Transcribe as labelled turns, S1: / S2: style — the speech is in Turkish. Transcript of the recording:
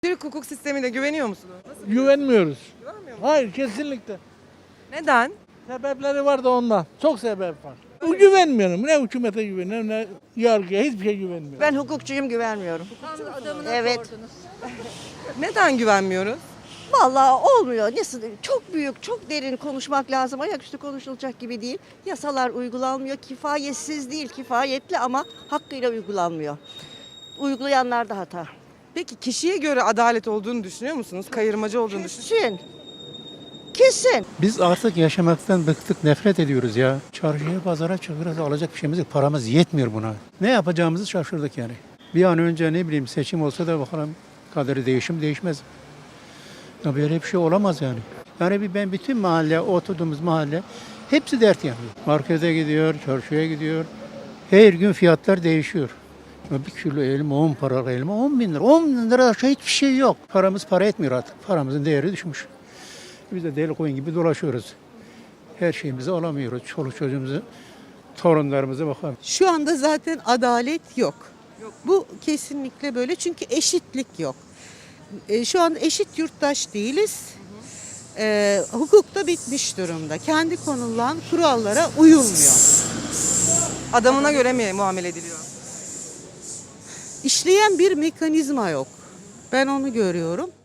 S1: Türk hukuk sistemine güveniyor musunuz?
S2: Güvenmiyoruz.
S1: Güvenmiyor musunuz?
S2: Hayır, kesinlikle.
S1: Neden?
S2: Sebepleri var da ondan. Çok sebep var. Güvenmiyorum. Ne hükümete güveniyorum ne yargıya, hiçbir şey güvenmiyorum.
S3: Ben hukukçuyum, güvenmiyorum. Evet.
S1: Neden güvenmiyoruz?
S3: Vallahi olmuyor. Çok büyük, çok derin konuşmak lazım. Ayaküstü konuşulacak gibi değil. Yasalar uygulanmıyor. Kifayetsiz değil, kifayetli ama hakkıyla uygulanmıyor. Uygulayanlar da hata.
S1: Peki kişiye göre adalet olduğunu düşünüyor musunuz? Kayırmacı olduğunu düşünüyor musunuz?
S3: Kesin. Kesin.
S4: Biz artık yaşamaktan bıktık, nefret ediyoruz ya. Çarşıya, pazara çıkıyoruz, alacak bir şeyimiz yok. Paramız yetmiyor buna. Ne yapacağımızı şaşırdık yani. Bir an önce ne bileyim seçim olsa da bakalım kaderi değişmez. Ya böyle bir şey olamaz yani. Yani ben bütün mahalle, oturduğumuz mahalle hepsi dert yanıyor. Markete gidiyor, çarşıya gidiyor. Her gün fiyatlar değişiyor. Ya bir kilo elma 10 para elma 10 bin lira. 10 bin lira aşağı hiçbir şey yok. Paramız para etmiyor artık. Paramızın değeri düşmüş. Biz de deli koyun gibi dolaşıyoruz. Her şeyimizi alamıyoruz. Çoluk çocuğumuzu, torunlarımıza bakalım.
S5: Şu anda zaten adalet yok. Bu kesinlikle böyle çünkü eşitlik yok. Şu an eşit yurttaş değiliz. Hukuk da bitmiş durumda. Kendi konulan kurallara uyulmuyor.
S1: Adamına göre mi muamele ediliyor?
S5: İşleyen bir mekanizma yok. Ben onu görüyorum.